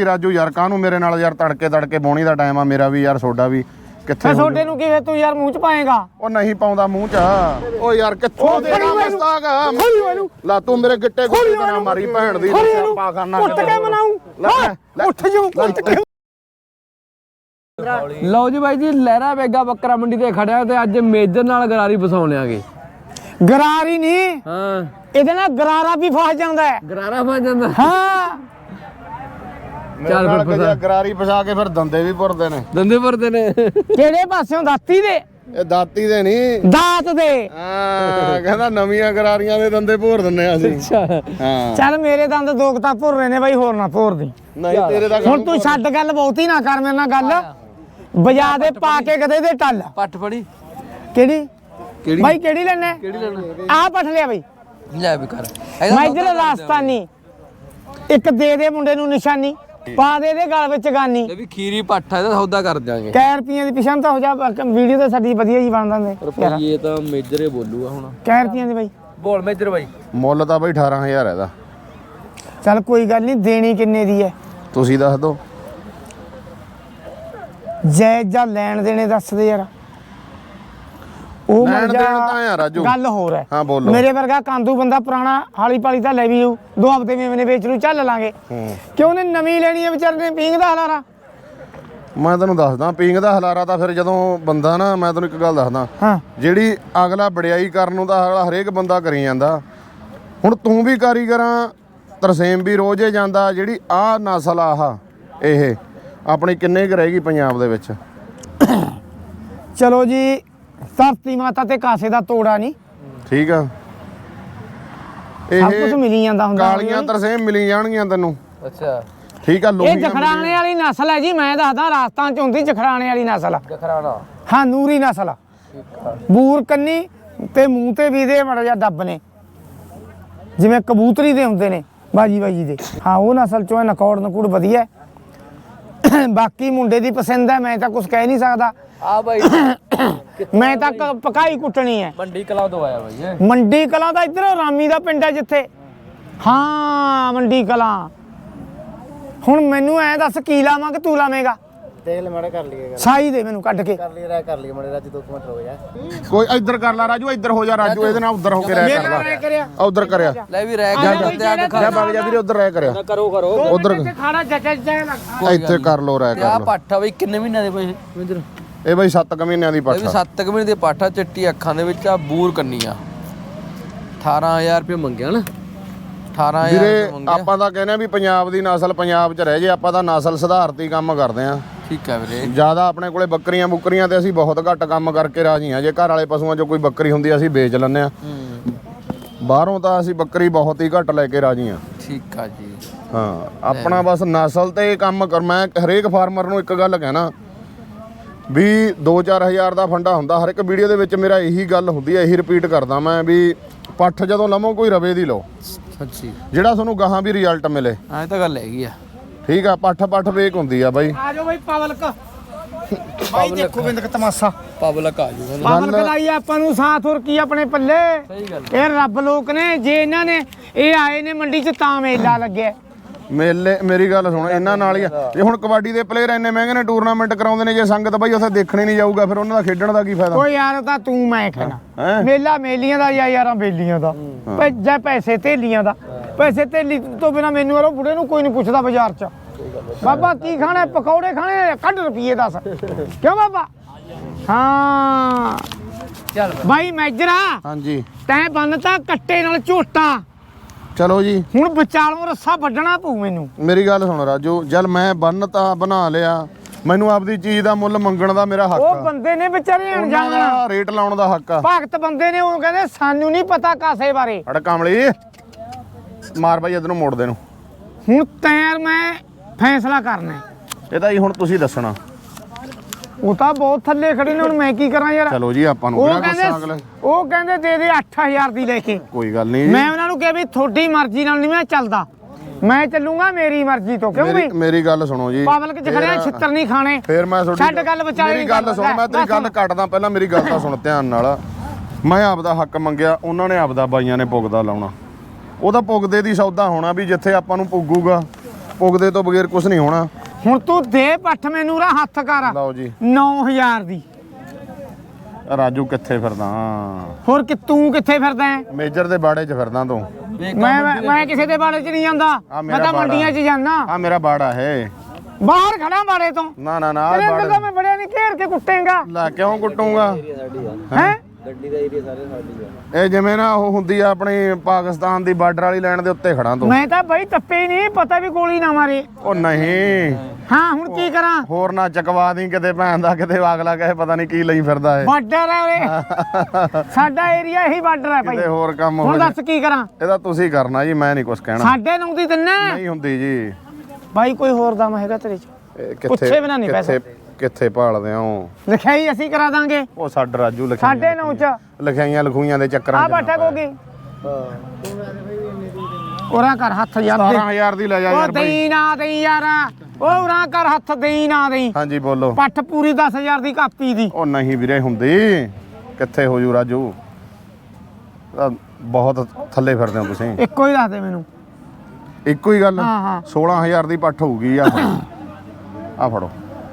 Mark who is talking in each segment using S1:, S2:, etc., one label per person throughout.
S1: ਭਾਈ ਰਾਜੂ ਯਾਰ ਕਾਹਨੂੰ ਮੇਰੇ ਨਾਲ ਯਾਰ ਤੜਕੇ ਬੋਣੀ ਦਾ ਟਾਈਮ ਆ ਮੇਰਾ ਵੀ ਯਾਰ ਸੋਡਾ ਵੀ ਕਿੱਥੇ
S2: ਛੋਟੇ ਨੂੰ ਕਿਵੇਂ ਤੂੰ ਯਾਰ ਮੂੰਹ ਚ ਪਾਏਗਾ
S1: ਉਹ ਨਹੀਂ ਪਾਉਂਦਾ ਮੂੰਹ ਚ ਉਹ ਯਾਰ ਕਿੱਥੋਂ ਦੇਣਾ ਮਸਤਾਗਾ ਲਾ ਤੂੰ ਮੇਰੇ ਗਿੱਟੇ ਗੁੱਟੇ ਨਾ ਮਾਰੀ ਭੈਣ ਦੀ ਪਾ ਕਰਨਾ
S2: ਉੱਠ ਕੇ ਮਨਾਉ ਉੱਠ ਜੂ
S3: ਲਓ ਜੀ ਬਾਈ ਜੀ ਲਹਿਰਾ ਬੇਗਾ ਬੱਕਰਾ ਮੰਡੀ ਤੇ ਖੜਿਆ ਤੇ ਅੱਜ ਮੇਜਰ ਨਾਲ ਗਰਾਰੀ ਫਸਾਉਣੇ ਆਗੇ
S2: ਗਰਾਰੀ ਨਹੀਂ
S3: ਹਾਂ
S2: ਇਹਦੇ ਨਾਲ ਗਰਾਰਾ ਵੀ ਫਸ ਜਾਂਦਾ ਹੈ
S3: ਗਰਾਰਾ ਫਸ ਜਾਂਦਾ
S2: ਹਾਂ
S1: ਚੱਲ ਫਿਰ ਗਰਾਰੀ ਫਸਾ ਕੇ ਫਿਰ ਦੰਦੇ ਵੀ ਭੁਰਦੇ ਨੇ
S3: ਦੰਦੇ ਭਰਦੇ ਨੇ
S2: ਕਿਹੜੇ ਪਾਸਿਓਂ ਦਾਤੀ ਦੇ
S1: ਇਹ ਦਾਤੀ ਦੇ ਨਹੀਂ
S2: ਦਾਤ ਦੇ
S1: ਹਾਂ ਕਹਿੰਦਾ ਨਵੀਆਂ ਗਰਾਰੀਆਂ ਦੇ ਦੰਦੇ ਭੋਰ ਦਿੰਨੇ ਆ ਅਸੀਂ ਹਾਂ
S2: ਚੱਲ ਮੇਰੇ ਦੰਦ ਦੋ ਤਾਂ ਭੁਰ ਰਹੇ ਨੇ ਬਾਈ ਹੋਰ ਨਾ ਭੋਰ ਦੀ
S1: ਨਹੀਂ ਤੇਰੇ ਦਾ
S2: ਹੁਣ ਤੂੰ ਛੱਡ ਗੱਲ ਬਹੁਤੀ ਨਾ ਕਰ ਮੇਰੇ ਨਾਲ ਗੱਲ ਬਜਾ ਦੇ ਪਾ ਕੇ ਕਦੇ ਦੇ ਟੱਲ
S3: ਪੱਠ ਫੜੀ
S2: ਕਿਹੜੀ ਬਾਈ ਕਿਹੜੀ ਲੈਣਾ ਆ ਪੱਠ ਲਿਆ ਬਾਈ
S3: ਲੈ ਵੀ ਕਰ
S2: ਮੈਂ ਇਧਰ ਰਾਜਸਥਾਨੀ ਇੱਕ ਦੇ ਮੁੰਡੇ ਨੂੰ ਨਿਸ਼ਾਨੀ ਪਾ ਦੇ ਗਲ ਵਿੱਚ ਗਾਨੀ
S3: ਇਹ ਵੀ ਖੀਰੀ ਪੱਠ ਇਹਦਾ ਸੌਦਾ ਕਰ ਜਾਾਂਗੇ
S2: ਕੈ ਰੁਪਈਆਂ ਦੀ ਪਿਛਾਂ ਤਾਂ ਹੋ ਜਾ ਵੀਡੀਓ ਤਾਂ ਸਾਡੀ ਵਧੀਆ ਜੀ ਬਣ ਦਿੰਦੇ
S3: ਰੁਪਈਏ ਤਾਂ ਮੇਜਰੇ ਬੋਲੂਗਾ ਹੁਣ
S2: ਕੈ ਰੁਪਈਆਂ ਦੀ ਬਾਈ
S3: ਬੋਲ ਮੇਜਰ ਬਾਈ
S1: ਮੁੱਲ ਤਾਂ ਬਾਈ 18000 ਇਹਦਾ
S2: ਚੱਲ ਕੋਈ ਗੱਲ ਨਹੀਂ ਦੇਣੀ ਕਿੰਨੇ ਦੀ ਹੈ
S1: ਤੁਸੀਂ ਦੱਸ ਦਿਓ
S2: ਜੈ ਜਾਂ ਲੈਣ ਦੇਣੇ ਦੱਸ ਦੇ ਯਾਰ ਉਹ
S1: ਲੈਣ
S2: ਮਰ
S1: ਦੇਣ ਤਾਂ ਯਾਰ ਰਾਜੂ
S2: ਗੱਲ ਹੋਰ ਹੈ
S1: ਹਾਂ ਬੋਲੋ
S2: ਮੇਰੇ ਵਰਗਾ ਕਾਂਦੂ ਬੰਦਾ ਪੁਰਾਣਾ ਹਾਲੀ ਪਾਲੀ ਤਾਂ ਲੈ ਵੀ ਜਾਊ 2 ਹਫ਼ਤੇ ਮੇਵਨੇ ਵੇਚ ਨੂੰ ਚੱਲ ਲਾਂਗੇ ਕਿ ਉਹਨੇ ਨਵੀਂ ਲੈਣੀ ਹੈ ਵਿਚਾਰੇ ਨੇ ਪੀਂਗ ਦਾ ਹਲਾਰਾ
S1: ਮੈਂ ਤੈਨੂੰ ਦੱਸਦਾ ਪੀਂਗ ਦਾ ਹਲਾਰਾ ਤਾਂ ਫਿਰ ਜਦੋਂ ਬੰਦਾ ਨਾ ਮੈਂ ਤੈਨੂੰ ਇੱਕ ਗੱਲ ਦੱਸਦਾ
S2: ਹਾਂ
S1: ਜਿਹੜੀ ਅਗਲਾ ਵਡਿਆਈ ਕਰਨ ਨੂੰ ਤਾਂ ਅਗਲਾ ਹਰੇਕ ਬੰਦਾ ਕਰੀ ਜਾਂਦਾ ਹੁਣ ਤੂੰ ਵੀ ਕਾਰੀਗਰਾਂ ਤਰਸੇਮ ਵੀ ਰੋਜ਼ ਹੀ ਜਾਂਦਾ ਜਿਹੜੀ ਆਹ ਨਸਲ ਆਹ ਇਹ ਆਪਣੀ ਕਿੰਨੇ ਕੁ ਰਹੇਗੀ ਪੰਜਾਬ ਦੇ ਵਿੱਚ
S2: ਚਲੋ ਜੀ ਧਰਤੀ ਮਾਤਾ ਤੇ ਕਾਸੇ ਦਾ ਤੋੜਾ ਨਹੀਂ
S1: ਠੀਕ ਆ
S2: ਸਭ ਕੁਝ ਮਿਲੀ ਜਾਂਦਾ ਹੁੰਦਾ
S1: ਕਾਲੀਆਂ ਤਰਸੇਮ ਮਿਲੀ ਜਾਣਗੀਆਂ ਤੈਨੂੰ
S3: ਅੱਛਾ
S1: ਠੀਕ ਆ
S2: ਇਹ
S1: ਲੋਹੀਆਂ
S2: ਜਖੜਾਣੇ ਵਾਲੀ ਨਸਲ ਹੈ ਜੀ ਮੈਂ ਦੱਸਦਾ ਰਾਜਸਥਾਨ ਚ ਹੁੰਦੀ ਜਖੜਾਣੇ ਵਾਲੀ ਨਸਲ
S3: ਜਖਰਾਣਾ
S2: ਹਾਂ ਨੂਰੀ ਨਸਲ ਬੂਰ ਕੰਨੀ ਤੇ ਮੂੰਹ ਤੇ ਵੀ ਦੇ ਮੜ ਜਾ ਡੱਬ ਨੇ ਜਿਵੇਂ ਕਬੂਤਰੀ ਦੇ ਹੁੰਦੇ ਨੇ ਬਾਜੀ ਦੇ ਹਾਂ ਉਹ ਨਸਲ ਚੋਂ ਨਕੌੜ ਨਕੂੜ ਵਧੀਆ ਬਾਕੀ ਮੁੰਡੇ ਦੀ ਪਸੰਦ ਹੈ ਮੈਂ ਤਾਂ ਕੁਝ ਕਹਿ ਨਹੀਂ ਸਕਦਾ
S3: ਆ ਬਾਈ
S2: ਮੈਂ ਤਾਂ ਪਕਾਈ ਕੁੱਟਣੀ ਹੈ
S3: ਮੰਡੀ ਕਲਾ ਤੋਂ ਆਇਆ ਬਾਈ ਇਹ
S2: ਮੰਡੀ ਕਲਾਂ ਦਾ ਇੱਧਰ ਰਾਮੀ ਦਾ ਪਿੰਡ ਹੈ ਜਿੱਥੇ ਹਾਂ ਮੰਡੀ ਕਲਾਂ ਹੁਣ ਮੈਨੂੰ ਐ ਦੱਸ ਕੀ ਲਾਵਾਂ ਕਿ ਤੂੰ ਲਾਵੇਂਗਾ
S4: ਦੇਖ ਲੈ ਮਾੜਾ ਕਰ ਲਈਏ
S2: ਸਾਈ ਦੇ ਮੈਨੂੰ ਕੱਢ ਕੇ
S4: ਕਰ ਲਈ ਰਾਇ ਕਰ ਲਈ ਮਾੜੇ ਰਾਜ 2 ਮਿੰਟ ਹੋ ਗਿਆ
S1: ਕੋਈ ਇੱਧਰ ਕਰ ਲੈ ਰਾਜੂ ਇੱਧਰ ਹੋ ਜਾ ਰਾਜੂ ਇਹਦੇ ਨਾਲ ਉੱਧਰ ਹੋ ਕੇ ਰਹਿ ਕਰ ਲੈ
S2: ਕਰਿਆ
S1: ਉੱਧਰ ਕਰਿਆ
S3: ਲੈ ਵੀ ਰਹਿ ਗਿਆ ਬੰਦੇ ਆ
S1: ਜਾ ਵਗ ਜਾ ਵੀਰੇ ਉੱਧਰ ਰਹਿ ਕਰਿਆ
S3: ਕਰੋ
S1: ਉੱਧਰ
S2: ਖਾਣਾ ਜੱਜਾ ਲੱਗਦਾ
S1: ਇੱਥੇ ਕਰ ਲੋ ਰਹਿ
S3: ਆ
S1: ਕਰ ਲੋ
S3: ਪੱਠਾ ਬਈ ਕਿੰਨੇ ਮਹੀਨਿਆਂ ਦੇ ਪਏ ਮੇਜਰ
S1: ਇਹ ਬਈ 7 ਮਹੀਨਿਆਂ ਦੀ
S3: ਇਹ ਵੀ
S1: ਪੱਠਾ
S3: 7 ਮਹੀਨੇ ਦੇ ਪਾਠਾ ਚਿੱਟੀ ਅੱਖਾਂ ਦੇ ਵਿੱਚ ਆ ਬੂਰ ਕੰਨੀ ਆ 18000 ਰੁਪਏ ਮੰਗਿਆ ਨਾ 18000
S1: ਵੀਰੇ
S3: ਰੁਪਏ ਮੰਗਿਆ
S1: ਆਪਾਂ ਤਾਂ ਕਹਿੰਦੇ ਆ ਵੀ ਪੰਜਾਬ ਦੀ ਨਸਲ ਪੰਜਾਬ 'ਚ ਰਹਿ ਜੇ ਆਪਾਂ ਤਾਂ ਨਸਲ ਸੁਧਾਰਤੀ ਕੰਮ ਕਰਦੇ ਆ
S3: ਠੀਕ ਆ ਵੀਰੇ
S1: ਜਿਆਦਾ ਆਪਣੇ ਕੋਲੇ ਬੱਕਰੀਆਂ ਬੁੱਕਰੀਆਂ ਤੇ ਅਸੀਂ ਬਹੁਤ ਘੱਟ ਕੰਮ ਕਰਕੇ ਰਾਜੀ ਆ ਜੇ ਘਰ ਵਾਲੇ ਪਸ਼ੂਆਂ 'ਚੋਂ ਕੋਈ ਬੱਕਰੀ ਹੁੰਦੀ ਅਸੀਂ ਵੇਚ ਲੈਂਦੇ ਆ ਬਾਹਰੋਂ ਤਾਂ ਅਸੀਂ ਬੱਕਰੀ ਬਹੁਤ ਹੀ ਘੱਟ ਲੈ ਕੇ ਰਾਜੀ ਆ
S3: ਠੀਕ ਆ ਜੀ
S1: ਹਾਂ ਆਪਣਾ ਬਸ ਨਸਲ ਤੇ ਕੰਮ ਕਰ ਮੈਂ ਹਰੇਕ ਫਾਰਮਰ ਨੂੰ ਇੱਕ ਗੱਲ ਕਹਿਣਾ ਵੀ 2-4 ਹਜ਼ਾਰ ਦਾ ਫੰਡਾ ਹੁੰਦਾ ਹਰ ਇੱਕ ਵੀਡੀਓ ਦੇ ਵਿੱਚ ਮੇਰਾ ਇਹੀ ਗੱਲ ਹੁੰਦੀ ਹੈ ਇਹੀ ਰਿਪੀਟ ਕਰਦਾ ਮੈਂ ਵੀ ਪੱਠ ਜਦੋਂ ਲਵੋ ਕੋਈ ਰਵੇ ਦੀ ਲਓ
S3: ਸੱਚੀ
S1: ਜਿਹੜਾ ਤੁਹਾਨੂੰ ਗਾਹਾਂ ਵੀ ਰਿਜ਼ਲਟ ਮਿਲੇ
S3: ਐ ਤਾਂ ਗੱਲ ਹੈਗੀ ਆ
S1: ਠੀਕ ਆ ਪੱਠ ਵੇਕ ਹੁੰਦੀ ਆ ਬਾਈ
S2: ਆ ਜਾਓ ਬਾਈ ਪਵਲਕ ਬਾਈ ਦੇਖੋ ਬਿੰਦਕ ਤਮਾਸ਼ਾ
S3: ਪਬਲਿਕ ਆ ਜੂਗਾ
S2: ਪਵਲਕ ਲਾਈ ਆਪਾਂ ਨੂੰ ਸਾਥ ਹੋਰ ਕੀ ਆਪਣੇ ਪੱਲੇ
S3: ਸਹੀ ਗੱਲ
S2: ਇਹ ਰੱਬ ਲੋਕ ਨੇ ਜੇ ਇਹਨਾਂ ਨੇ ਇਹ ਆਏ ਨੇ ਮੰਡੀ 'ਚ ਤਾਂ ਮੇਲਾ ਲੱਗਿਆ
S1: ਮੇਲੇ ਮੇਰੀ ਗੱਲ ਸੁਣ ਇਹਨਾਂ ਨਾਲ ਹੀ ਆ ਜੇ ਹੁਣ ਕਬੱਡੀ ਦੇ ਪਲੇਅਰ ਇੰਨੇ ਮਹਿੰਗੇ ਨੇ ਟੂਰਨਾਮੈਂਟ ਕਰਾਉਂਦੇ ਨੇ ਜੇ ਸੰਗਤ ਬਾਈ ਉੱਥੇ ਦੇਖਣੇ ਨਹੀਂ ਜਾਊਗਾ ਫਿਰ ਉਹਨਾਂ ਦਾ ਖੇਡਣ ਦਾ ਕੀ ਫਾਇਦਾ
S2: ਓ ਯਾਰ ਤਾਂ ਤੂੰ ਮੈਂ ਕਹਿਣਾ
S1: ਹੈਂ?
S2: ਮੇਲਾ ਮੇਲੀਆਂ ਦਾ ਜਾਂ ਯਾਰਾਂ ਬੇਲੀਆਂ ਦਾ ਜਾਂ ਪੈਸੇ ਧੇਲੀਆਂ ਦਾ ਪੈਸੇ ਧੇਲੀ ਤੋਂ ਬਿਨਾ ਮੈਨੂੰ ਉਹ ਬੁੜੇ ਨੂੰ ਕੋਈ ਨਹੀਂ ਪੁੱਛਦਾ ਬਾਜ਼ਾਰ 'ਚ ਬਾਬਾ ਕੀ ਖਾਣਾ ਪਕੌੜੇ ਖਾਣੇ ਕੱਢ ਰੁਪਈਏ ਦੱਸ ਕਿਉਂ ਬਾਬਾ ਹਾਂ
S3: ਚੱਲ
S2: ਬਾਈ ਮੈਜਰਾ
S1: ਹਾਂਜੀ
S2: ਤੈਂ ਬੰਨਤਾ ਕੱਟੇ ਨਾਲ ਝੋਟਾ
S1: ਚਲੋ ਜੀ
S2: ਹੁਣ ਵਿਚਾਲੋਂ ਰੱਸਾ ਵੱਢਣਾ ਪਊ ਮੈਨੂੰ
S1: ਮੇਰੀ ਗੱਲ ਸੁਣ ਰਾਜੂ ਜਦ ਮੈਂ ਬੰਨ ਤਾਂ ਬਣਾ ਲਿਆ ਮੈਨੂੰ ਆਪਦੀ ਚੀਜ਼ ਦਾ ਮੁੱਲ ਮੰਗਣ ਦਾ ਮੇਰਾ ਹੱਕ
S2: ਉਹ
S1: ਆ
S2: ਬੰਦੇ ਨੇ ਵਿਚਾਰੇ
S1: ਉਹਨਾਂ
S2: ਅਣਜਾਣ
S1: ਦਾ ਰੇਟ ਲਾਉਣ ਦਾ ਹੱਕ ਆ
S2: ਭਗਤ ਬੰਦੇ ਨੇ ਉਹ ਕਹਿੰਦੇ ਸਾਨੂੰ ਨਹੀਂ ਪਤਾ ਕਾਸੇ ਬਾਰੇ
S1: ਅੜ ਕਮਲੀ ਮਾਰ ਬਾਈ ਇਧਰ ਨੂੰ ਮੋੜ ਦੇ ਨੂੰ
S2: ਹੁਣ ਤੈਰ ਮੈਂ ਫੈਸਲਾ ਕਰਨਾ
S1: ਇਹ ਤਾਂ ਜੀ ਹੁਣ ਤੁਸੀਂ ਦੱਸਣਾ
S2: ਉਹ ਤਾਂ ਬਹੁਤ ਥੱਲੇ ਖੜੇ ਨੇ ਹੁਣ ਮੈਂ ਕੀ ਕਰਾਂ ਯਾਰ
S1: ਚਲੋ ਜੀ ਆਪਾਂ ਨੂੰ
S2: ਉਹ
S1: ਕਿਹੜਾ ਗੁੱਸਾ ਅਗਲੇ
S2: ਕਹਿੰਦੇ ਉਹ ਕਹਿੰਦੇ ਦੇ ਦੇ 8000 ਦੀ ਲੈ ਕੇ
S1: ਕੋਈ ਗੱਲ ਨਹੀਂ
S2: ਮੈਂ ਉਹਨਾਂ ਨੂੰ ਕਿਹਾ ਵੀ ਤੁਹਾਡੀ ਮਰਜ਼ੀ ਨਾਲ ਨਹੀਂ ਮੈਂ ਚੱਲਦਾ ਮੈਂ ਚੱਲੂਗਾ ਮੇਰੀ ਮਰਜ਼ੀ ਤੋਂ ਕਿਉਂ ਵੀ
S1: ਮੇਰੀ ਗੱਲ ਸੁਣੋ ਜੀ
S2: ਪਬਲਿਕ ਚ ਖੜਿਆ ਛਿੱਤਰ ਨਹੀਂ ਖਾਣੇ
S1: ਫੇਰ ਮੈਂ
S2: ਛੱਡ ਗੱਲ ਵਿਚਾਲੇ
S1: ਮੇਰੀ ਗੱਲ ਸੁਣ ਮੈਂ ਤੇਰੀ ਗੱਲ ਕੱਟਦਾ ਪਹਿਲਾਂ ਮੇਰੀ ਗੱਲ ਤਾਂ ਸੁਣ ਧਿਆਨ ਨਾਲ ਮੈਂ ਆਪਦਾ ਹੱਕ ਮੰਗਿਆ ਉਹਨਾਂ ਨੇ ਆਪਦਾ ਬਾਈਆਂ ਨੇ ਪੁੱਗਦਾ ਲਾਉਣਾ ਉਹਦਾ ਪੁੱਗਦੇ ਦੀ ਸੌਦਾ ਹੋਣਾ ਵੀ ਜਿੱਥੇ ਆਪਾਂ ਨੂੰ ਪੁੱਗੂਗਾ ਪੁੱਗਦੇ ਤੋਂ ਬਗੈਰ ਕੁਝ ਨਹੀਂ ਹੋਣਾ।
S2: ਹੁਣ ਤੂੰ ਦੇ ਪੱਠ ਮੈਨੂੰ ਰਾ ਹੱਥ ਕਰ
S1: ਲਓ ਜੀ
S2: 9000 ਦੀ।
S1: ਰਾਜੂ ਕਿੱਥੇ ਫਿਰਦਾ?
S2: ਹੋਰ ਕਿ ਤੂੰ ਕਿੱਥੇ ਫਿਰਦਾ ਹੈ?
S1: ਮੇਜਰ ਦੇ ਬਾੜੇ 'ਚ ਫਿਰਦਾ ਤੂੰ।
S2: ਮੈਂ ਕਿਸੇ ਦੇ ਬਾੜੇ 'ਚ ਨਹੀਂ ਜਾਂਦਾ, ਮੈਂ ਤਾਂ ਮੰਡੀਆਂ 'ਚ ਜਾਂਦਾ।
S1: ਆ ਮੇਰਾ ਬਾੜਾ ਹੈ,
S2: ਬਾਹਰ ਖੜਾ ਬਾੜੇ ਤੋਂ।
S1: ਨਾ ਨਾ ਨਾ
S2: ਤੇਰੇ ਅੰਦਰ ਤਾਂ ਮੈਂ ਬੜਿਆ ਨਹੀਂ ਘੇਰ ਕੇ ਕੁੱਟੇਗਾ।
S1: ਲੈ ਕਿਉਂ ਕੁੱਟੂਗਾ?
S2: ਹੈ
S4: ਗੱਡੀ ਦਾ ਏਰੀਆ ਸਾਰੇ ਸਾਡੀ ਆ।
S1: ਇਹ ਜਿਵੇਂ ਨਾ ਉਹ ਹੁੰਦੀ ਆ ਆਪਣੀ ਪਾਕਿਸਤਾਨ ਦੀ ਬਾਰਡਰ ਵਾਲੀ ਲਾਈਨ ਦੇ ਉੱਤੇ ਖੜਾ ਤੂੰ।
S2: ਮੈਂ ਤਾਂ ਬਈ ਟੱਪੇ ਹੀ ਨਹੀਂ, ਪਤਾ ਵੀ ਗੋਲੀ ਨਾ ਮਾਰੇ।
S1: ਉਹ ਨਹੀਂ
S2: ਹਾਂ ਹੁਣ ਕੀ ਕਰਾਂ?
S1: ਹੋਰ ਨਾ ਚਕਵਾ ਦੀ ਕਿਤੇ ਭੈਣ ਦਾ, ਕਿਤੇ ਅਗਲਾ ਕਹੇ ਪਤਾ ਨਹੀਂ ਕੀ ਲਈ ਫਿਰਦਾ ਏ।
S2: ਬਾਰਡਰ ਹੈ ਉਰੇ, ਸਾਡਾ ਏਰੀਆ ਇਹੀ ਬਾਰਡਰ ਹੈ ਭਾਈ।
S1: ਕਿਤੇ ਹੋਰ ਕੰਮ ਹੋ
S2: ਹੁਣ
S1: ਜਾਏ।
S2: ਦੱਸ ਕੀ ਕਰਾਂ?
S1: ਇਹਦਾ ਤੁਸੀਂ ਕਰਨਾ ਜੀ, ਮੈਂ ਨਹੀਂ ਕੁਝ ਕਹਿਣਾ।
S2: 9.5 ਦੀ ਦਿੰਨਾ
S1: ਨਹੀਂ ਹੁੰਦੀ ਜੀ।
S2: ਭਾਈ ਕੋਈ ਹੋਰ ਦਮ ਹੈਗਾ ਤੇਰੇ 'ਚ?
S1: ਇਹ
S2: ਪੁੱਛੇ ਬਿਨਾਂ ਨਹੀਂ ਪੈਸੇ।
S1: ਕਿੱਥੇ ਭਾਲਦੇ ਹੋ?
S2: ਲਿਖਾਈ ਅਸੀਂ ਕਰਾ ਦਾਂਗੇ।
S1: ਉਹ ਸਾਡ ਰਾਜੂ ਲਿਖਾਈਆਂ
S2: 9.5 ਚ
S1: ਲਿਖਾਈਆਂ ਲਖੂਈਆਂ ਦੇ ਚੱਕਰਾਂ
S2: ਆ
S1: 'ਚ
S2: ਬੈਠਾ
S1: ਨਾ
S2: ਕੋਗੀ। ਉਰਾ ਕਰ ਹੱਥ ਯਾਰ।
S1: 17000 ਦੀ ਲੈ ਜਾ
S2: ਉਹ
S1: ਯਾਰ ਬਾਈ।
S2: ਦੇਈ ਨਾ ਦੇਈ ਯਾਰ, ਉਹ ਉਰਾ ਕਰ ਹੱਥ, ਦੇਈ ਨਾ ਦੇਈ।
S1: ਹਾਂਜੀ ਬੋਲੋ।
S2: ਪੱਠ ਪੂਰੀ 10000 ਦੀ ਕਾਪੀ ਦੀ।
S1: ਉਹ ਨਹੀਂ ਵੀਰੇ ਹੁੰਦੀ, ਕਿੱਥੇ ਹੋ ਜੂ ਰਾਜੂ? ਬਹੁਤ ਥੱਲੇ ਫਿਰਦੇ ਹੋ ਤੁਸੀਂ।
S2: ਇੱਕੋ ਹੀ ਦੱਸ ਦੇ ਮੈਨੂੰ।
S1: ਇੱਕੋ ਹੀ ਗੱਲ।
S2: ਹਾਂ, ਹਾਂ।
S1: 16000 ਦੀ ਪੱਠ ਹੋਊਗੀ ਆ। ਆ ਫੜੋ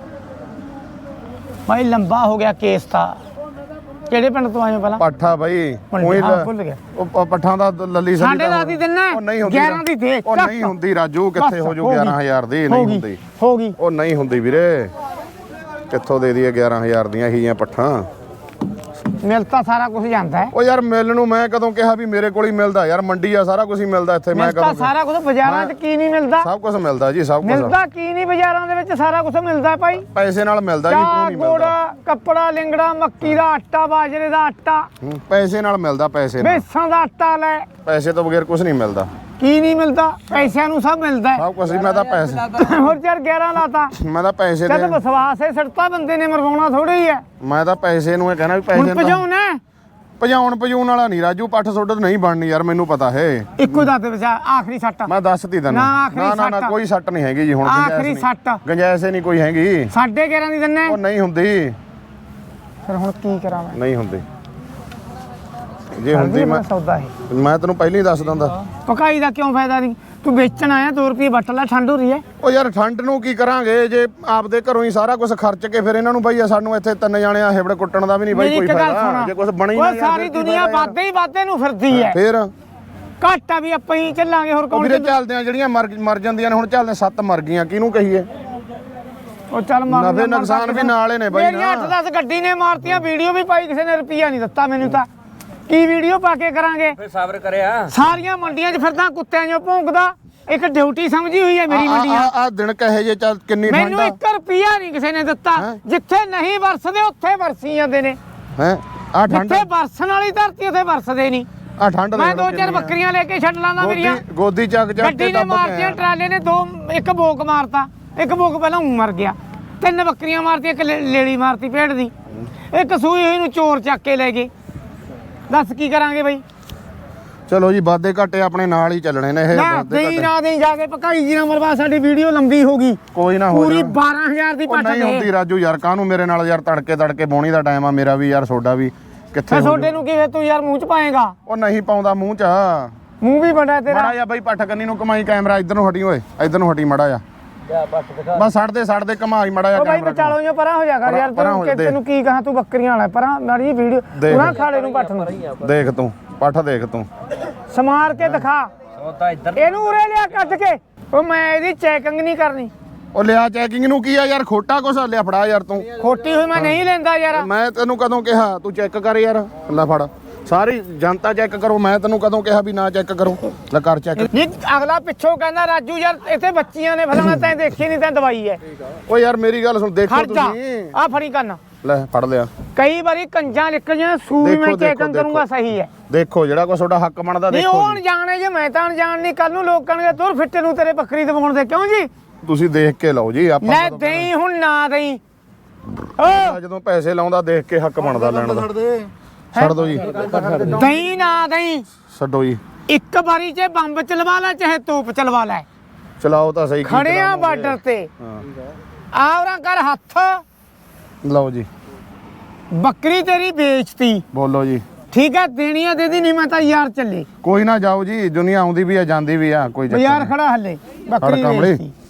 S2: ਭਾਈ ਲੰਬਾ ਹੋ ਗਿਆ ਕੇਸ ਤਾਂ। ਕਿਹੜੇ ਪਿੰਡ ਤੋਂ ਆਏ ਹੋ ਪਹਿਲਾਂ?
S1: ਪੱਠਾ ਬਾਈ ਉਹੀ
S2: ਹਾਂ, ਭੁੱਲ ਗਿਆ।
S1: ਉਹ ਪੱਠਾਂ ਦਾ ਲੱਲੀ ਸਲੀ
S2: ਸਾਡੇ ਦਾ ਦੀ ਦਿੰਨਾ।
S1: ਉਹ ਨਹੀਂ ਹੁੰਦੀ
S2: 11 ਦੀ ਦੇ।
S1: ਉਹ ਨਹੀਂ ਹੁੰਦੀ ਰਾਜੂ, ਕਿੱਥੇ ਹੋ ਜੂ 11000 ਦੀ? ਨਹੀਂ ਹੁੰਦੀ।
S2: ਹੋ ਗਈ।
S1: ਉਹ ਨਹੀਂ ਹੁੰਦੀ ਵੀਰੇ, ਕਿੱਥੋਂ ਦੇ ਦਈਏ 11000 ਦੀਆਂ ਇਹੀ ਪੱਠਾਂ?
S2: ਮਿਲ ਤਾਂ ਸਾਰਾ ਕੁਝ ਜਾਂਦਾ ਹੈ।
S1: ਉਹ ਯਾਰ ਮਿਲ ਨੂੰ ਮੈਂ ਕਦੋਂ ਕਿਹਾ ਵੀ ਮੇਰੇ ਕੋਲ ਹੀ ਮਿਲਦਾ? ਯਾਰ ਮੰਡੀ ਆ, ਸਾਰਾ ਕੁਝ ਹੀ ਮਿਲਦਾ ਇੱਥੇ। ਮੈਂ
S2: ਮਿਲ ਤਾਂ
S1: ਕਦੋਂ
S2: ਸਾਰਾ ਕੁਝ ਬਾਜ਼ਾਰਾਂ 'ਚ ਕੀ ਨਹੀਂ ਮਿਲਦਾ?
S1: ਸਭ ਕੁਝ ਮਿਲਦਾ ਜੀ, ਸਭ ਕੁਝ
S2: ਮਿਲਦਾ ਕੀ ਨਹੀਂ ਬਾਜ਼ਾਰਾਂ ਦੇ ਵਿੱਚ? ਸਾਰਾ ਕੁਝ ਮਿਲਦਾ ਭਾਈ।
S1: ਪੈਸੇ ਨਾਲ ਮਿਲਦਾ ਜੀ, ਕਿਉਂ
S2: ਚਾਹ
S1: ਨਹੀਂ
S2: ਗੁੜ,
S1: ਮਿਲਦਾ?
S2: ਕੱਪੜਾ, ਲਿੰਗੜਾ, ਮੱਕੀ ਦਾ ਆਟਾ, ਬਾਜਰੇ ਦਾ ਆਟਾ,
S1: ਪੈਸੇ ਨਾਲ ਮਿਲਦਾ, ਪੈਸੇ ਨਾਲ।
S2: ਬੇਸਾਂ ਦਾ ਆਟਾ ਲੈ।
S1: ਪੈਸੇ ਤੋਂ ਬਗੈਰ ਕੁਝ ਨਹੀਂ ਮਿਲਦਾ।
S2: ਕੀ ਨਹੀਂ ਮਿਲਦਾ? ਪੈਸਿਆਂ ਨੂੰ ਸਭ ਮਿਲਦਾ ਹੈ।
S1: ਸਭ ਕੁਝ ਹੀ। ਮੈਂ ਤਾਂ ਪੈਸੇ
S2: ਹੋਰ ਯਾਰ 11 ਲਾਤਾ।
S1: ਮੈਂ ਤਾਂ ਪੈਸੇ
S2: ਜਦ
S1: ਦੇ
S2: ਵਿਸ਼ਵਾਸ ਹੈ ਸੜਤਾ ਬੰਦੇ ਨੇ, ਮਰਵਾਉਣਾ ਥੋੜੀ ਹੀ ਹੈ।
S1: ਮੈਂ ਤਾਂ ਪੈਸੇ ਨੂੰ ਇਹ ਕਹਿਣਾ ਵੀ
S2: ਹੁਣ
S1: ਪੈਸੇ ਨਾਲ
S2: ਭਜਾਉਣਾ ਹੈ।
S1: ਭਜਾਉਣ ਵਾਲਾ ਨਹੀਂ ਰਾਜੂ। ਪੱਠ ਸੁੱਡ ਨਹੀਂ ਬਣਨੀ ਯਾਰ, ਮੈਨੂੰ ਪਤਾ ਹੈ।
S2: ਇੱਕੋ ਦੱਸ ਦੇ ਵਿਚਾਰ ਆਖਰੀ ਸੱਟ।
S1: ਮੈਂ ਦੱਸਤੀ ਤੈਨੂੰ।
S2: ਨਾ, ਆਖਰੀ
S1: ਨਾ
S2: ਸੱਟ।
S1: ਕੋਈ ਸੱਟ ਨਹੀਂ ਹੈਗੀ ਜੀ ਹੁਣ।
S2: ਆਖਰੀ ਸੱਟ।
S1: ਗੰਜਾਇਸ਼ ਹੀ ਨਹੀਂ ਕੋਈ ਹੈਗੀ।
S2: 11.5 ਦੀ ਦਿੰਨੇ।
S1: ਉਹ ਨਹੀਂ ਹੁੰਦੀ,
S2: ਫਿਰ ਹੁਣ ਕੀ ਕਰਾਂ ਮੈਂ?
S1: ਨਹੀਂ ਹੁੰਦੀ। ਜੇ ਹੁੰਦੀ ਮੈਂ
S2: ਸੌਦਾ ਹੈ।
S1: ਤੈਨੂੰ ਪਹਿਲਾਂ ਹੀ ਦੱਸ ਦਿੰਦਾ।
S2: ਪਕਾਈ ਦਾ ਕਿਉਂ ਫਾਇਦਾ ਨਹੀਂ? ਤੂੰ ਵੇਚਣ ਆਇਆ 2 ਰੁਪਏ ਵੱਟ ਲੈ, ਠੰਡ ਹੋ ਰਹੀ ਹੈ।
S1: ਉਹ ਯਾਰ ਠੰਡ ਨੂੰ ਕੀ ਕਰਾਂਗੇ ਜੇ ਆਪਦੇ ਘਰੋਂ ਹੀ ਸਾਰਾ ਕੁਝ ਖਰਚ ਕੇ ਫਿਰ ਇਹਨਾਂ ਨੂੰ ਬਈ ਸਾਨੂੰ ਇੱਥੇ 3 ਜਾਣੇ ਆ ਹਿਬੜ ਕੁੱਟਣ ਦਾ ਵੀ ਨਹੀਂ ਬਈ ਕੋਈ ਫਾਇਦਾ। ਜੇ ਕੁਝ ਬਣੀ ਨਾ
S2: ਉਹ ਸਾਰੀ ਦੁਨੀਆ ਵਾਧੇ ਨੂੰ ਫਿਰਦੀ ਹੈ।
S1: ਫਿਰ
S2: ਘਾਟਾ ਵੀ ਆਪਾਂ ਹੀ ਚੱਲਾਂਗੇ। ਹੋਰ ਕੌਣ?
S1: ਵੀਰੇ ਚੱਲਦੇ ਆ, ਜਿਹੜੀਆਂ ਮਰ ਜਾਂਦੀਆਂ ਨੇ ਹੁਣ ਚੱਲਦੇ 7 ਮਰ ਗਈਆਂ, ਕਿਹਨੂੰ ਕਹੀਏ?
S2: ਉਹ ਚੱਲ ਮਾਰ
S1: ਨਫੇ ਨੁਕਸਾਨ ਵੀ ਨਾਲੇ ਨੇ ਬਾਈ।
S2: ਮੇਰੀਆਂ 8-10 ਗੱਡੀ ਨੇ ਮਾਰਤੀਆਂ, ਵੀਡੀਓ ਵੀ ਪਾਈ, ਕਿਸੇ ਨੇ ਰੁਪਈਆ ਨਹੀਂ ਦਿੱਤਾ ਮੈਨੂੰ ਤਾਂ। ਕੀ ਵੀਡੀਓ ਪਾ ਕੇ ਕਰਾਂਗੇ?
S3: ਫਿਰ ਸਬਰ ਕਰਿਆ।
S2: ਸਾਰੀਆਂ ਮੰਡੀਆਂ 'ਚ ਫਿਰਦਾ ਕੁੱਤਿਆਂ 'ਚੋਂ ਭੌਂਕਦਾ। ਇੱਕ ਡਿਊਟੀ ਸਮਝੀ ਹੋਈ ਹੈ ਮੇਰੀ ਮੰਡੀਆਂ।
S1: ਆ ਦਿਨ ਕਹੇ ਜੇ ਚੱਲ ਕਿੰਨੀ ਠੰਡ
S2: ਮੈਨੂੰ
S1: ਆ
S2: 1 ਰੁਪਈਆ ਨਹੀਂ ਕਿਸੇ ਨੇ ਦਿੱਤਾ। ਜਿੱਥੇ ਨਹੀਂ ਵਰਸਦੇ ਉੱਥੇ ਵਰਸੀ ਜਾਂਦੇ ਨੇ।
S1: ਹੈ। ਆ ਠੰਡ,
S2: ਜਿੱਥੇ ਵਰਸਣ ਵਾਲੀ ਧਰਤੀ ਉੱਥੇ ਵਰਸਦੇ ਨਹੀਂ।
S1: ਆ ਠੰਡ
S2: ਮੈਂ 2-4 ਬੱਕਰੀਆਂ ਲੈ ਕੇ ਛੱਡ ਲਾਂਦਾ ਮੇਰੀਆਂ।
S1: ਗੋਦੀ ਚੱਕ ਚੱਕ
S2: ਗੱਡੀ ਨੇ ਮਾਰਤੀਆਂ, ਟਰਾਲੇ ਨੇ ਇੱਕ ਬੋਕ ਮਾਰਤਾ। ਇੱਕ ਬੋਕ ਪਹਿਲਾਂ ਮਰ ਗਿਆ। 3 ਬੱਕਰੀਆਂ ਮਾਰਤੀਆਂ, ਇੱਕ ਲੇਲੀ ਮਾਰਤੀ ਭੇਡ ਦੀ। ਇੱਕ ਸੂਈ ਹੋਈ ਨੂੰ ਚੋਰ ਚੱਕ ਕੇ ਲੈ ਗਏ। ਦੱਸ ਕੀ ਕਰਾਂਗੇ ਬਈ?
S1: ਚਲੋ ਜੀ, ਵਾਧੇ ਘਾਟੇ ਆਪਣੇ ਨਾਲ ਹੀ ਚੱਲਣੇ ਨੇ ਇਹ।
S2: ਨਾ
S1: ਵਾਧੇ
S2: ਦੇਈ
S1: ਘਾਟੇ
S2: ਨਾ ਦੇਈ ਜਾ ਕੇ ਪਕਾਈ ਜੀ ਨਾ ਮਰਵਾ। ਸਾਡੀ ਵੀਡੀਓ ਲੰਬੀ ਹੋ ਗਈ।
S1: ਕੋਈ ਨਾ ਹੋ
S2: ਪੂਰੀ
S1: ਜਾਣਾ।
S2: 12000 ਦੀ
S1: ਉਹ
S2: ਪੱਠ
S1: ਨਹੀਂ
S2: ਦੇ।
S1: ਹੁੰਦੀ ਰਾਜੂ ਯਾਰ, ਕਾਹਨੂੰ ਮੇਰੇ ਨਾਲ ਯਾਰ ਤੜਕੇ ਬੋਣੀ ਦਾ ਟਾਈਮ ਆ ਮੇਰਾ ਵੀ ਯਾਰ, ਸੋਡਾ ਵੀ ਕਿੱਥੇ
S2: ਮੈਂ
S1: ਹੋ
S2: ਛੋਡੇ ਨੂੰ ਕਿਵੇਂ ਤੂੰ ਯਾਰ ਮੂੰਹ ਚ ਪਾਏਗਾ?
S1: ਉਹ ਨਹੀਂ ਪਾਉਂਦਾ ਮੂੰਹ ਚ।
S2: ਮੂੰਹ ਵੀ ਬੜਾ ਤੇਰਾ।
S1: ਮੜਾ ਜਾ ਬਾਈ ਪੱਠ ਕੰਨੀ ਨੂੰ ਕਮਾਈ, ਕੈਮਰਾ ਇੱਧਰ ਨੂੰ ਹਟੀ ਓਏ, ਇੱਧਰ ਨੂੰ ਹਟੀ ਮੜਾ ਜਾ। ਬਸ ਛੱਡ ਦੇ ਕਮਾਈ ਮੜਾ ਜਾ
S2: ਉਹ ਬਾਈ
S1: ਕੈਮਰਾ।
S2: ਵਿਚਾਲੋਂ ਜੋ ਪਰਾਂ ਹੋ ਜਾ ਕਰ ਯਾਰ।
S1: ਪਰਾਂ ਹੋ ਜਾ,
S2: ਤੈਨੂੰ ਕੀ ਕਹਾਂ, ਤੂੰ ਬੱਕਰੀਆਂ ਵਾਲਾ ਪਰਾਂ ਮਾੜੀ ਵੀਡੀਓ ਉਹਨਾਂ ਖਾਲੇ ਨੂੰ ਪੱਠ ਨੂੰ
S1: ਦੇਖ ਤੂੰ, ਪੱਠ ਦੇਖ ਤੂੰ।
S2: ਸਮਾਰ ਕੇ ਦਿਖਾ।
S3: ਸੌਦਾ ਇੱਧਰ
S2: ਇਹਨੂੰ ਉਰੇ ਲਿਆ ਕੱਢ ਕੇ। ਉਹ ਮੈਂ ਇਹਦੀ ਚੈਕਿੰਗ ਨਹੀਂ ਕਰਨੀ।
S1: ਉਹ ਲਿਆ ਚੈਕਿੰਗ ਨੂੰ ਕੀ ਆ ਯਾਰ, ਖੋਟਾ ਕੁਛ ਲਿਆ ਫੜਾ ਯਾਰ ਤੂੰ।
S2: ਖੋਟੀ ਹੋਈ ਮੈਂ ਨਹੀਂ ਲੈਂਦਾ ਯਾਰ।
S1: ਮੈਂ ਤੈਨੂੰ ਕਦੋਂ ਕਿਹਾ ਤੂੰ ਚੈੱਕ ਕਰ ਯਾਰ? ਲੈ ਫੜ, ਸਾਰੀ ਜਨਤਾ ਚੈੱਕ ਕਰੋ। ਮੈਂ ਤੈਨੂੰ ਕਦੋਂ ਕਿਹਾ ਵੀ ਨਾ ਚੈੱਕ ਕਰੋ? ਲੈ ਕਰ ਚੈੱਕ।
S2: ਨਹੀਂ ਅਗਲਾ ਪਿੱਛੋਂ ਕਹਿੰਦਾ ਰਾਜੂ ਯਾਰ ਇੱਥੇ ਬੱਚੀਆਂ ਨੇ ਫਲਾਣਾ, ਤੈਂ ਦੇਖੀ ਨਹੀਂ, ਤੈਂ ਦਵਾਈ ਹੈ।
S1: ਓ ਯਾਰ ਮੇਰੀ ਗੱਲ ਸੁਣ, ਦੇਖੋ
S2: ਖੜ ਜਾ
S1: ਤੁਸੀਂ।
S2: ਆ ਫੜੀ ਕੰਨ।
S1: ਲੈ ਫੜ ਲਿਆ।
S2: ਕਈ ਵਾਰੀ ਕੰਜਾਂ ਨਿਕਲ ਜਾਂ ਸੂ ਵੀ ਮੈਂ ਚੈਕਿੰਗ ਕਰੂੰਗਾ ਸਹੀ ਹੈ।
S1: ਦੇਖੋ ਜਿਹੜਾ ਕੋਈ ਤੁਹਾਡਾ ਹੱਕ ਬਣਦਾ
S2: ਨਹੀਂ
S1: ਦੇਖੋ
S2: ਉਹ
S1: ਜੀ।
S2: ਅਣਜਾਣੇ ਜੇ ਮੈਂ ਤਾਂ ਅਣਜਾਣ ਨਹੀਂ। ਕੱਲ ਨੂੰ ਲੋਕ ਕਹਿਣਗੇ ਤੁਰ ਫਿੱਟੇ ਨੂੰ ਤੇਰੇ ਬੱਕਰੀ ਦਵਾਉਣ ਦੇ। ਕਿਉਂ ਜੀ?
S1: ਤੁਸੀਂ ਦੇਖ ਕੇ ਲਓ ਜੀ। ਆਪਾਂ
S2: ਲੈ ਦੇਈ ਹੁਣ ਨਾ ਦੇਈ।
S1: ਜਦੋਂ ਪੈਸੇ ਲਾਉਂਦਾ ਦੇਖ ਕੇ ਹੱਕ ਬਣਦਾ ਲੈਣ ਦਾ। ਛੱਡ ਦੋ ਜੀ,
S2: ਦੇਈ ਨਾ ਦੇਈ।
S1: ਛੱਡੋ ਜੀ।
S2: ਇੱਕ ਵਾਰੀ ਚ ਬੰਬ ਚਲਵਾ ਲੈ ਚਾਹੇ ਤੋਪ ਚਲਵਾ ਲੈ।
S1: ਚਲਾਓ ਤਾਂ ਸਹੀ।
S2: ਖੜੇ ਆ ਬਾਰਡਰ ਤੇ। ਆਵਰਾਂ ਕਰ ਹੱਥ।
S1: ਲਓ ਜੀ,
S2: ਬੱਕਰੀ ਤੇਰੀ ਵੇਚਤੀ।
S1: ਬੋਲੋ ਜੀ।
S2: ਠੀਕ ਹੈ, ਦੇਣੀਆਂ ਦੇ ਦੀ, ਨਹੀਂ ਮੈਂ ਤਾਂ ਯਾਰ ਚੱਲੇ।
S1: ਕੋਈ ਨਾ ਜਾਓ ਜੀ, ਦੁਨੀਆ ਆਉਂਦੀ ਵੀ ਆ ਜਾਂਦੀ ਵੀ ਆ, ਕੋਈ ਚੱਕਰ
S2: ਬਾਜ਼ਾਰ
S1: ਨਹੀਂ।
S2: ਖੜਾ ਹੱਲੇ ਬੱਕਰੀ
S1: ਕਾਮੜੀ।
S2: ਵੇਚਤੀ।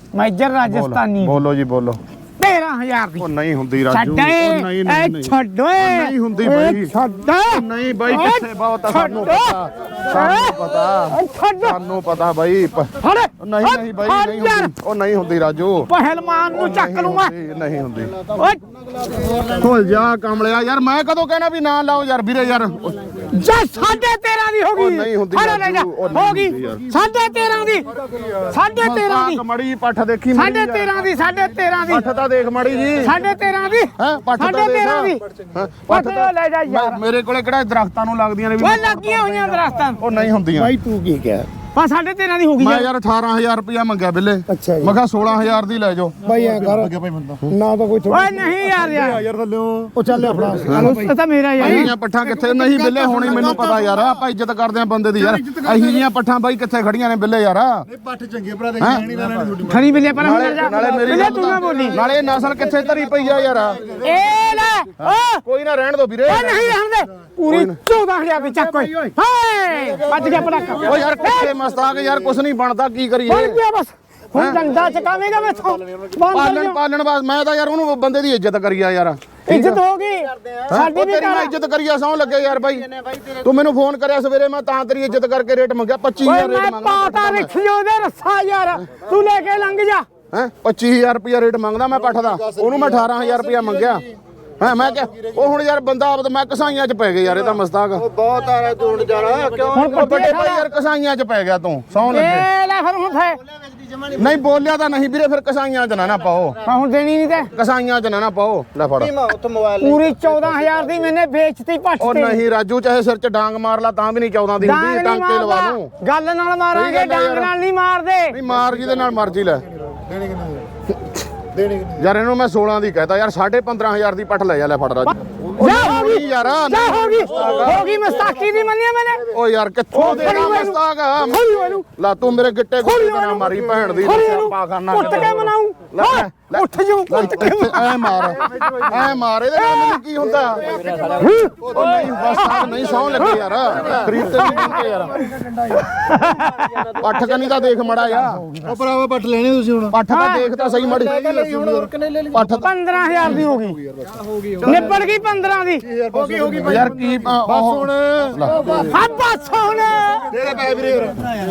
S2: ਮੈਜਰ ਰਾਜਸਥਾਨੀ
S1: ਬੋਲੋ ਜੀ ਬੋਲੋ
S2: 13000 ਦੀ
S1: ਉਹ ਨਹੀਂ ਹੁੰਦੀ ਰਾਜੂ
S2: ਛੱਡ
S1: ਉਹ ਨਹੀਂ ਨਹੀਂ ਨਹੀਂ
S2: ਛੱਡ ਓਏ
S1: ਨਹੀਂ ਹੁੰਦੀ ਬਾਈ।
S2: ਛੱਡ
S1: ਨਹੀਂ ਬਾਈ ਕਿੱਥੇ ਬਹੁਤ ਆ, ਸਾਨੂੰ ਪਤਾ ਸਾਨੂੰ ਪਤਾ
S2: ਛੱਡ
S1: ਸਾਨੂੰ ਪਤਾ ਬਾਈ
S2: ਫੜ
S1: ਨਹੀਂ ਨਹੀਂ ਬਾਈ ਨਹੀਂ ਹੁੰਦੀ ਉਹ ਨਹੀਂ ਹੁੰਦੀ ਰਾਜੂ
S2: ਪਹਿਲਵਾਨ ਨੂੰ ਚੱਕ ਲੂ ਮੈਂ
S1: ਨਹੀਂ ਹੁੰਦੀ
S2: ਓਏ
S1: ਖੋਲ ਜਾ ਕਮਲਿਆ ਯਾਰ ਮੈਂ ਕਦੋਂ ਕਹਿਣਾ ਵੀ ਨਾ ਲਾਓ ਯਾਰ ਵੀਰੇ ਯਾਰ
S2: ਜਾ 13.5 ਦੀ ਹੋ ਗਈ
S1: ਉਹ ਨਹੀਂ ਹੁੰਦੀ
S2: ਫੜ ਲੈ ਜਾ
S1: ਰਾਜੂ, ਉਹ ਨਹੀਂ
S2: ਹੋ ਗਈ
S1: ਹੁੰਦੀ ਯਾਰ।
S2: 13.5 ਦੀ 13.5 ਦੀ
S1: ਮੜੀ ਪੱਠ ਦੇਖੀ ਮੜੀ
S2: 13.5 ਦੀ 13.5 ਦੀ
S1: ਪੱਠ ਤਾਂ ਦੇਖ ਮੜੀ ਜੀ
S2: 13.5 ਦੀ
S1: ਹੈ ਪੱਠ ਤਾਂ ਦੇਖ
S2: 13.5 ਦੀ
S1: ਹੈਂ,
S2: ਪੱਠ ਲੈ ਜਾ ਯਾਰ
S1: ਮੇਰੇ ਕੋਲੇ ਕਿਹੜਾ ਦਰਖਤਾਂ ਨੂੰ ਲੱਗਦੀਆਂ ਨੇ ਵੀ
S2: ਓਏ ਲੱਗੀਆਂ ਹੋਈਆਂ ਦਰਖਤਾਂ
S1: ਉਹ ਨਹੀਂ ਹੁੰਦੀਆਂ
S4: ਤੂੰ ਕੀ ਕਹਿ
S2: ਪਾ 13.5 ਦੀ ਹੋ ਗਈ
S1: ਮੈਂ
S2: ਯਾਰ
S1: ਯਾਰ 18000 ਰੁਪਇਆ ਮੰਗਿਆ ਬਿੱਲੇ
S4: ਅੱਛਾ ਜੀ।
S1: ਮੈਂ ਕਿਹਾ 16000 ਦੀ ਲੈ ਜਾਓ
S4: ਬਾਈ ਐ ਕਰ ਨਾ ਤਾਂ ਕੋਈ
S2: ਓਏ ਨਹੀਂ ਯਾਰ
S4: ਯਾਰ ਥੱਲੇ ਉਹ ਚੱਲ ਆਪਣਾ
S2: ਉਹ ਤਾਂ ਮੇਰਾ ਯਾਰ
S1: ਅਹੀਆਂ ਪੱਠਾਂ ਕਿੱਥੇ ਨਹੀਂ ਬਿੱਲੇ ਹੋਣੀ ਮੈਨੂੰ ਪਤਾ ਯਾਰ ਆਪਾਂ ਇੱਜ਼ਤ ਕਰਦੇ ਆ ਬੰਦੇ ਦੀ ਯਾਰ ਅਹੀ ਜੀਆਂ ਪੱਠਾਂ ਬਾਈ ਕਿੱਥੇ ਖੜੀਆਂ ਨੇ ਬਿੱਲੇ ਯਾਰ
S4: ਪੱਠ ਚੰਗੇ ਭਰਾ ਦੇ ਨਹੀਂ ਲੈਣਾ
S2: ਖਰੀ ਬਿੱਲੇ ਪਰ ਹੁਣ ਜਾ
S1: ਨਾਲੇ ਮੇਰੀ
S2: ਬਿੱਲੇ
S1: ਗੱਲ
S2: ਤੂੰ ਨਾ ਬੋਲੀ
S1: ਨਾਲੇ ਇਹ ਨਸਲ ਕਿੱਥੇ ਧਰੀ ਪਈ ਆ ਯਾਰ
S2: ਇਹ ਲੈ ਓ
S1: ਕੋਈ ਨਾ ਰਹਿਣ ਦੋ ਵੀਰੇ
S2: ਓ ਨਹੀਂ ਰਹਿਣ ਦੇ ਪੂਰੀ 14000 ਦੀ ਚੱਕ ਓਏ ਹਾਏ ਵੱਜ ਗਿਆ ਪੜਾਕਾ
S1: ਓ ਯਾਰ ਕਿੱਥੇ ਮਸਤਾਕ ਯਾਰ ਕੁਛ ਨਹੀਂ ਬਣਦਾ ਕੀ ਕਰੀਏ
S2: ਹੁਣ ਕੀ ਆ ਬਸ ਹੁਣ ਡੰਡਾ ਚਕਾਵੇਂਗਾ ਮੈਥੋਂ
S1: ਪਾਲਣ ਬਾਸ ਮੈਂ ਤਾਂ ਯਾਰ ਉਹਨੂੰ ਬੰਦੇ ਦੀ ਇੱਜ਼ਤ ਕਰੀਆ ਯਾਰ
S2: ਇੱਜ਼ਤ ਹੋ ਗਈ ਸਾਡੀ ਵੀ
S1: ਤੇਰੀ ਮੈਂ ਇੱਜ਼ਤ ਕਰੀਆ ਸੌ ਲੱਗੇ ਯਾਰ ਬਾਈ ਤੂੰ ਮੈਨੂੰ ਫੋਨ ਕਰਿਆ ਸਵੇਰੇ ਮੈਂ ਤਾਂ ਤੇਰੀ ਇੱਜ਼ਤ ਕਰਕੇ ਰੇਟ ਮੰਗਿਆ 25000
S2: ਓਏ
S1: ਰੇਟ
S2: ਮੈਂ
S1: ਮੰਗਦਾ
S2: ਪਾਤਾ ਰੱਖਿਓ ਦੇ ਰੱਸਾ ਯਾਰ ਤੂੰ ਲੈ ਕੇ ਲੰਘ ਜਾ
S1: ਹੈ 25000 ਰੁਪਇਆ ਰੇਟ ਮੰਗਦਾ ਮੈਂ ਪੱਠ ਦਾ ਉਹਨੂੰ ਮੈਂ 18000 ਰੁਪਇਆ ਮੰਗਿਆ ਹਾਂ ਮੈਂ ਕਿਹਾ ਉਹ ਹੁਣ ਯਾਰ ਬੰਦਾ ਆਪ ਮੈਂ ਕਸਾਈਆਂ 'ਚ ਪੈ ਗਿਆ ਯਾਰ ਇਹ ਤਾਂ ਮਸਤਾਕ
S4: ਬਹੁਤ ਆ ਰਿਹਾ ਤੂੰ ਜਾਣਾ ਕਿਉਂ
S2: ਹੁਣ
S1: ਉਹ ਵੱਡੇ ਭਾਈ ਯਾਰ ਕਸਾਈਆਂ 'ਚ ਪੈ ਗਿਆ ਤੂੰ ਸੌਂ ਲੱਗੇ
S2: ਇਹ ਲੈ ਫਿਰ ਹੁਣ ਫੇ
S1: ਨਹੀਂ ਬੋਲਿਆ ਤਾਂ ਨਹੀਂ ਵੀਰੇ ਫਿਰ ਕਸਾਈਆਂ 'ਚ ਨਾ ਪਾਓ
S2: ਹੁਣ ਦੇਣੀ ਨਹੀਂ ਤੇ
S1: ਕਸਾਈਆਂ 'ਚ ਨਾ ਪਾਓ ਲੈ ਫੜ
S4: ਉੱਥੇ ਮੋਬਾਈਲ
S2: ਪੂਰੀ 14000 ਦੀ ਮੈਨੇ ਵੇਚਤੀ ਪੱਟ
S1: ਉਹ
S2: ਤੇ
S1: ਨਹੀਂ ਰਾਜੂ ਚਾਹੇ ਸਿਰ 'ਚ ਡਾਂਗ ਮਾਰ ਲਾ ਤਾਂ ਵੀ ਨਹੀਂ 14 ਦੀ
S2: ਡਾਂਗ
S1: ਹੁੰਦੀ
S2: ਨਹੀਂ
S1: ਟਾਂਕੇ ਲਵਾ
S2: ਮਾਰਦਾ
S1: ਲੂੰ
S2: ਗੱਲ ਨਾਲ ਮਾਰਾਂਗੇ
S1: ਸਹੀ ਗੱਲ ਆ
S2: ਡਾਂਗ
S1: ਯਾਰ।
S2: ਨਾਲ ਨਹੀਂ ਮਾਰਦੇ
S1: ਨਹੀਂ ਮਾਰ ਜਿਹਦੇ ਨਾਲ ਮਰਜ਼ੀ ਲੈ
S4: ਦੇਣੇ
S1: ਯਾਰ ਇਹਨੂੰ ਮੈਂ 16 ਦੀ ਕਹਿਤਾ ਯਾਰ 15000 ਦੀ ਪੱਠ ਲੈ ਜਾ ਲੈ ਫੜ ਰਾਜੂ
S2: ਜਾ ਹੋ ਗਈ
S1: ਯਾਰ
S2: ਜਾ ਹੋ ਗਈ ਮਸਤਾਕੀ ਦੀ ਮੰਨਿਆ ਮੈਨੇ
S1: ਓ ਯਾਰ ਕਿੱਥੋਂ
S2: ਉਹ
S1: ਦੇਣਾ
S2: ਖੜੀ ਮੈਨੂੰ।
S1: ਮਸਤਾਕ
S2: ਖੋਲੀ ਮੈਨੂੰ
S1: ਲਾ ਤੂੰ ਮੇਰੇ ਗਿੱਟੇ
S2: ਖੋਲੀ
S1: ਗੁੱਟੇ ਨਾ ਮਾਰੀ ਭੈਣ ਦੀ
S2: ਖੋਲੀ
S1: ਸਿਆਪਾ ਖਾਨਾ
S2: ਉੱਠ ਕੇ ਮਨਾਉ
S1: ਲੈ,
S2: ਉੱਠ ਜੂ ਉੱਠ ਕੇ
S1: ਐ ਮਾਰ ਇਹਦੇ ਨਾਲ ਮੈਨੂੰ ਕੀ ਹੁੰਦਾ ਉਹ ਨਹੀਂ ਮਸਤਾਕ ਨਹੀਂ ਸੌਂ ਲੱਗੇ ਯਾਰ ਖਰੀਦ ਤੇ ਨਹੀਂ ਕੇ ਯਾਰ ਪੱਠ ਕਨੀ ਤਾਂ ਦੇਖ ਮੜਾ ਆ
S4: ਉਹ ਭਰਾਵਾ ਪੱਟ ਲੈਣੇ ਤੁਸੀਂ ਹੁਣ
S1: ਪੱਠ ਤਾਂ ਦੇਖ ਤਾਂ ਸਹੀ ਮੜੀ ਪੱਠ
S2: 15000 ਦੀ ਹੋ ਗਈ ਨਿਬੜ ਗਈ 15 ਦੀ
S4: ਹੋ ਗਈ
S1: ਯਾਰ ਕੀ
S4: ਬਸ ਹੁਣ
S2: ਹਾਂ ਬਸ ਹੁਣ
S4: ਤੇਰੇ ਪੈ ਵੀਰੇ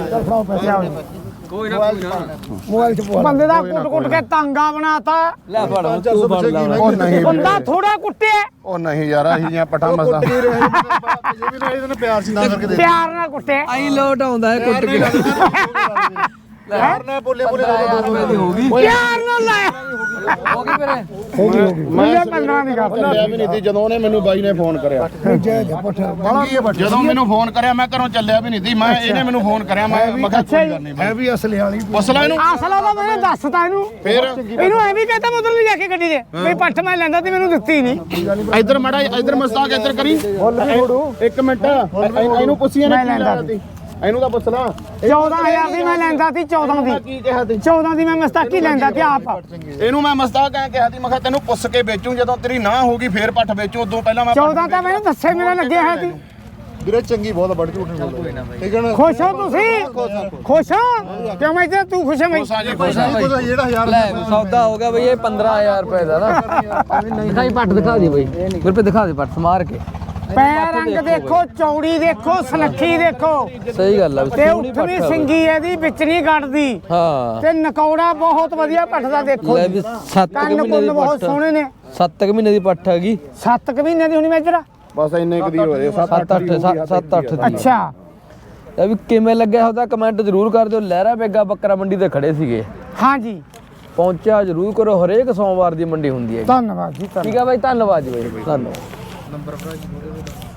S3: ਕੋਈ ਨਾ
S4: ਮੋਬਾਈਲ ਚ ਪਵਾ
S2: ਬੰਦੇ ਦਾ ਕੁੱਟ ਕੇ ਤਾਂਗਾ ਬਣਾਤਾ
S3: ਲੈ ਫੜ ਹੁਣ ਤੂੰ ਫੜ ਲਾ
S1: ਉਹ ਨਹੀਂ
S2: ਬੰਦਾ ਥੋੜਾ ਕੁੱਟਿਆ
S1: ਉਹ ਨਹੀਂ ਯਾਰ ਅਹੀ ਜੀਆਂ ਪੱਠਾਂ ਮਸਾ
S4: ਜੇ ਵੀ ਨਾ ਇਹਦੇ ਪਿਆਰ ਸੀ ਨਾ ਕਰਕੇ ਦੇ
S2: ਪਿਆਰ ਨਾਲ ਕੁੱਟਿਆ
S3: ਆਈ ਲੋਟ ਆਉਂਦਾ ਹੈ ਕੁੱਟ ਕੇ
S4: ਪਿਆਰ ਨਾਲ ਬੋਲੇ ਬੋਲੇ
S3: ਦੀ ਹੋ ਗਈ
S2: ਪਿਆਰ ਨਾਲ ਲਾਇਆ
S3: ਹੋ ਗਈ ਵੀਰੇ
S2: ਮੈਂ 15 ਦੀ ਗੱਲ
S1: ਚੱਲਿਆ ਵੀ ਨਹੀਂ ਸੀ ਜਦੋਂ ਉਹਨੇ ਮੈਨੂੰ ਬਾਈ ਨੇ ਫੋਨ ਕਰਿਆ ਜਦੋਂ ਮੈਨੂੰ ਫੋਨ ਕਰਿਆ ਮੈਂ ਘਰੋਂ ਚੱਲਿਆ ਵੀ ਨਹੀਂ ਸੀ ਮੈਂ ਇਹਨੇ ਮੈਨੂੰ ਫੋਨ ਕਰਿਆ ਮੈਂ ਕਿਹਾ ਕੋਈ ਗੱਲ ਨਹੀਂ
S4: ਹੈ ਵੀ ਅਸਲੇ ਵਾਲੀ
S1: ਪੁੱਛ ਲੈ ਇਹਨੂੰ
S2: ਅਸਲਾ ਤਾਂ ਮੈंने ਦੱਸਤਾ ਇਹਨੂੰ
S1: ਫੇਰ
S2: ਇਹਨੂੰ ਐ ਵੀ ਕਹਤਾ ਮਤਲਬ ਨਹੀਂ ਜਾ ਕੇ ਗੱਡੀ ਦੇ ਵੀ ਪੱਠ ਮੈਂ ਲੈਂਦਾ ਤੇ ਮੈਨੂੰ ਦਿੱਤੀ ਨਹੀਂ
S1: ਇੱਧਰ ਮੜਾ ਇੱਧਰ ਮਸਤਾਕ ਇੱਧਰ ਕਰੀ ਇੱਕ ਮਿੰਟ ਇਹਨੂੰ ਪੁੱਛੀਆਂ
S2: ਮੈਂ
S1: ਨੇ ਕੀ
S2: ਲੈਂਦਾ
S1: ਲੈਣਾ ਸੀ ਇਹਨੂੰ ਤਾਂ ਪੁੱਛ ਲਾ
S2: 14000 ਦੀ ਮੈਂ ਲੈਂਦਾ ਸੀ 14 ਦੀ
S1: ਕੀ ਕਿਹਾ ਸੀ
S2: 14 ਦੀ ਮੈਂ ਮਸਤਾਕੀ ਲੈਂਦਾ ਤੇ ਆਪ
S1: ਇਹਨੂੰ ਮੈਂ ਮਸਤਾਕ ਐ ਕਿਹਾ ਸੀ ਮੈਂ ਕਿਹਾ ਤੈਨੂੰ ਪੁੱਛ ਕੇ ਵੇਚੂ ਜਦੋਂ ਤੇਰੀ ਨਾ ਹੋਗੀ ਫੇਰ ਪੱਠ ਵੇਚੂ ਉਦੋਂ ਪਹਿਲਾਂ ਮੈਂ
S2: 14 ਤਾਂ ਮੈਨੂੰ ਦੱਸੇ ਮੇਰਾ ਲੱਗਿਆ ਹੈ ਸੀ
S4: ਵੀਰੇ ਚੰਗੀ ਬਹੁਤ ਬੜ ਝੂਠ ਨਹੀਂ ਬੋਲਦਾ ਠੀਕ ਹੈ ਨਾ
S2: ਖੁਸ਼ ਹੋ ਤੁਸੀਂ ਖੁਸ਼ ਹੋ ਕਿਉਂ ਮੈਂ ਤੇ ਤੂੰ ਖੁਸ਼ ਹੈ ਮੈਂ
S1: ਪੁੱਛਾਂ ਜੀ ਪੁੱਛਾਂ
S4: ਕੋਈ ਜਿਹੜਾ ਹਜ਼ਾਰ
S3: ਲੈ ਸੌਦਾ ਹੋ ਗਿਆ ਬਈ ਇਹ 15000 ਰੁਪਏ ਦਾ ਨਾ ਦਿਖਾਈ ਪੱਟ ਦਿਖਾ ਦੇ ਬਈ ਗੁਰਪ੍ਰੀਤ ਦਿਖਾ ਦੇ ਪੱਟ ਸਮਾਰ ਕੇ
S2: ਪੈਰ ਰੰਗ ਦੇਖੋ ਚੌੜੀ ਦੇਖੋ ਸਨੱਖੀ ਦੇਖੋ
S3: ਸਹੀ ਗੱਲ ਆ ਵੀ
S2: ਤੇ
S3: ਸੋਹਣੀ
S2: ਉੱਠਵੀਂ
S3: ਪੱਟ ਆ ਬਈ।
S2: ਸਿੰਗੀ ਇਹਦੀ ਵਿੱਚ ਨਹੀਂ ਕੱਢਦੀ
S3: ਹਾਂ
S2: ਤੇ ਨਕੌੜਾ ਬਹੁਤ ਵਧੀਆ ਪੱਠਦਾ ਦੇਖੋ
S3: ਲੈ ਵੀ 7
S2: ਕੰਨ
S3: ਮਹੀਨੇ
S2: ਕੁੰਨ
S3: ਦੀ
S2: ਬਹੁਤ
S3: ਪੱਟ
S2: ਸੋਹਣੇ ਨੇ
S3: 7 ਮਹੀਨੇ ਦੀ ਪੱਟ ਹੈਗੀ
S2: 7 ਮਹੀਨੇ ਦੀ ਹੁਣੀ ਮੇਜਰਾ
S1: ਬਸ ਇੰਨੇ ਕੁ ਦੀ ਹੋ ਰਹੇ
S3: 7-8 ਦੀ
S2: ਅੱਛਾ
S3: ਇਹ ਵੀ ਕਿਵੇਂ ਲੱਗਿਆ ਉਹਦਾ ਕਮੈਂਟ ਜ਼ਰੂਰ ਕਰ ਦਿਓ ਲਹਿਰਾ ਬੇਗਾ ਬੱਕਰਾ ਮੰਡੀ ਤੇ ਖੜੇ ਸੀਗੇ
S2: ਹਾਂਜੀ
S3: ਪਹੁੰਚਿਆ ਜ਼ਰੂਰ ਕਰੋ ਹਰੇਕ ਸੋਮਵਾਰ ਦੀ ਮੰਡੀ ਹੁੰਦੀ ਹੈ
S2: ਧੰਨਵਾਦ ਜੀ ਧੰਨਵਾਦ
S3: ਠੀਕ ਆ ਬਾਈ ਧੰਨਵਾਦ ਜੀ ਬਾਈ ਧੰਨਵਾਦ